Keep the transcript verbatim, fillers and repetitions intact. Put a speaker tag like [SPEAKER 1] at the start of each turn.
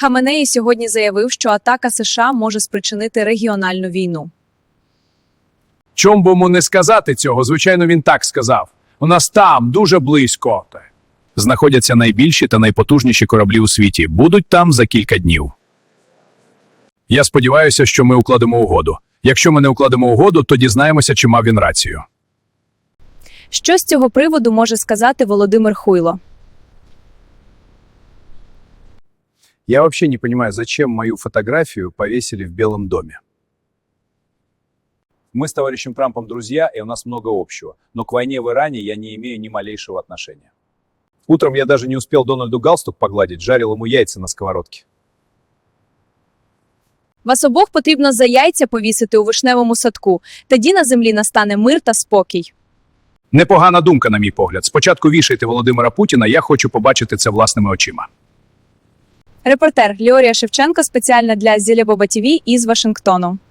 [SPEAKER 1] Хаменеї сьогодні заявив, що атака США може спричинити регіональну війну.
[SPEAKER 2] Чом би йому не сказати цього? Звичайно, він так сказав. У нас там, дуже близько, знаходяться найбільші та найпотужніші кораблі у світі. Будуть там за кілька днів. Я сподіваюся, що ми укладемо угоду. Якщо ми не укладемо угоду, то дізнаємося, чи мав він рацію.
[SPEAKER 1] Що з цього приводу може сказати Володимир Хуйло?
[SPEAKER 2] Я вообще не понимаю, зачем мою фотографию повесили в Белом доме. Мы с товарищем Трампом друзья, и у нас много общего. Но к войне в Иране я не имею ни малейшего отношения. Утром я даже не успел Дональду галстук погладить, жарил ему яйца на сковородке.
[SPEAKER 1] Вас обох потрібно за яйця повісити у вишневому садку. Тоді на землі настане мир та спокій.
[SPEAKER 2] Непогана думка, на мій погляд. Спочатку вішайте Володимира Путіна, я хочу побачити це власними очима.
[SPEAKER 1] Репортер Ліорія Шевченко спеціально для Зілебоба ТІВІ із Вашингтону.